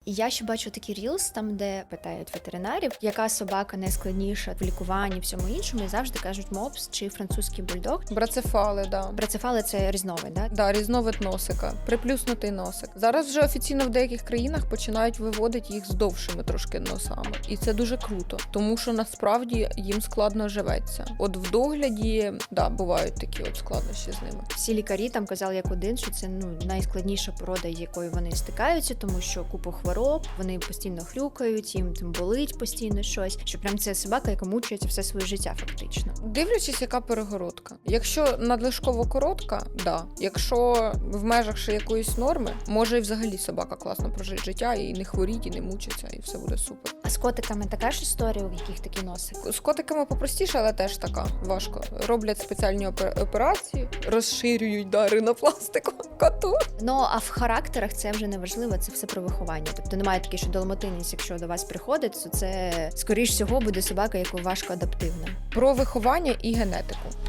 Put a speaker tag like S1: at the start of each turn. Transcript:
S1: І я ще бачу такі рілс, там де питають ветеринарів, яка собака найскладніша в лікуванні, всьому іншому, і завжди кажуть мопс чи французький бульдог.
S2: Брацефали, да.
S1: Брацефали – це різновид, да?
S2: Да, різновид носика, приплюснутий носик. Зараз вже офіційно в деяких країнах починають виводити їх з довшими трошки носами. І це дуже круто, тому що насправді їм складно живеться. От в догляді, да, бувають такі от складнощі з ними.
S1: Всі лікарі там казали як один, що це найскладніша порода, з якою вони стикаються, тому що купу хвороб, вони постійно хрюкають, їм там болить постійно щось. Що прям це собака, яка мучається все своє життя фактично.
S2: Дивлячись, яка перегородка. Якщо надлишково коротка, да. Якщо в межах ще якоїсь норми, може і взагалі собака класно прожить життя і не хворіть, і не мучиться, і все буде супер.
S1: А з котиками така ж історія, у яких такий носик?
S2: З котиками попростіше, але теж така важко. Роблять спеціальні операції, розширюють ринопластику коту.
S1: Ну, а в характерах це вже не важливо, це все про виховання. Тобто немає таке, що далматинець, якщо до вас приходить, то це, скоріш всього, буде собака, яка важко адаптивна.
S2: Про виховання і генетику.